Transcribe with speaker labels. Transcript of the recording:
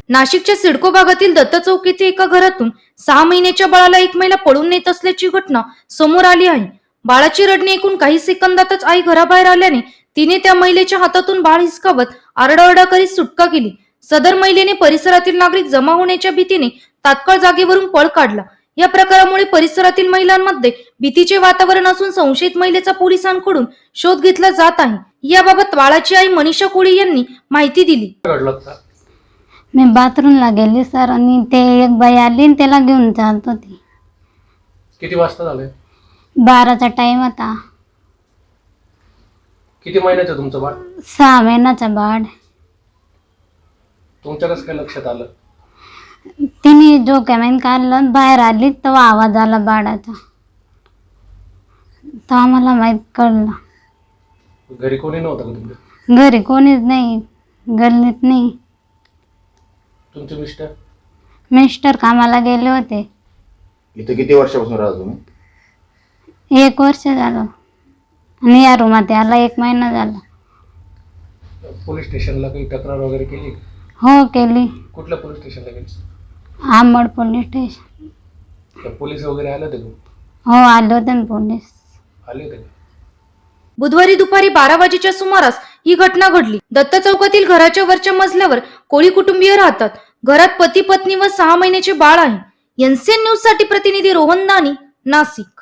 Speaker 1: नाशिकच्या सिडको भागातील दत्त चौक येथे एका घरातून 6 महिन्याच्या बाळाला एक महिला पळून नेत असल्याची घटना समोर आली आहे. बाळाची रडणे ऐकून काही सेकंदातच आई घराबाहेर आल्याने तिने त्या महिलेच्या हातातून बाळ हिसकावत आरडाओरडा करीत सुटका केली. सदर महिलेने परिसरातील नागरिक जमा होण्याच्या भीतीने तात्काळ जागेवरून पळ काढला. या प्रकारामुळे परिसरातील महिलांमध्ये भीतीचे वातावरण असून संशयित महिलेचा पोलिसांकडून शोध घेतला जात आहे. याबाबत बाळाची आई मनीषा कोळी यांनी माहिती दिली.
Speaker 2: मी बाथरूमला गेली सर आणि ते एक बाई आली आणि त्याला घेऊन चालत होती.
Speaker 3: किती वाजता झाले?
Speaker 2: 12चा टाइम होता.
Speaker 3: किती महिन्याचं तुमचं बाळ?
Speaker 2: 6 महिन्याचा बाळ.
Speaker 3: तुमच्या कसं काय लक्षात आलं?
Speaker 2: तिने जो कॅमेन काढलं बाहेर आली तेव्हा आवाज आला बाळाचा, तर आम्हाला माहित कळलं.
Speaker 3: घरी कोणी नव्हतं का तुमच्या?
Speaker 2: घरी कोणीच नाही, गल्लीत नाही.
Speaker 3: तुमचे मिस्टर?
Speaker 2: मिस्टर कामाला गेले होते.
Speaker 4: इथे किती वर्षापासून राहता तुम्ही?
Speaker 2: 1 वर्ष झालं आणि या रूमात याला 1 महिना झाला.
Speaker 3: पोलीस स्टेशनला काही तक्रार वगैरे केली?
Speaker 2: हो केली.
Speaker 3: कुठल्या पोलीस स्टेशनला गेली?
Speaker 2: Ambad police station.
Speaker 3: पोलीस वगैरे आले होते का?
Speaker 2: हो आले होते ना पोलीस.
Speaker 3: आले होते का?
Speaker 1: बुधवारी दुपारी 12 वाजेच्या सुमारास ही घटना घडली. दत्त चौकातील घराच्या वरच्या मजल्यावर कोळी कुटुंबीय राहतात. घरात पती पत्नी व 6 महिन्याचे बाळ आहे. एनसीएन न्यूज साठी प्रतिनिधी रोहन दानी, नाशिक.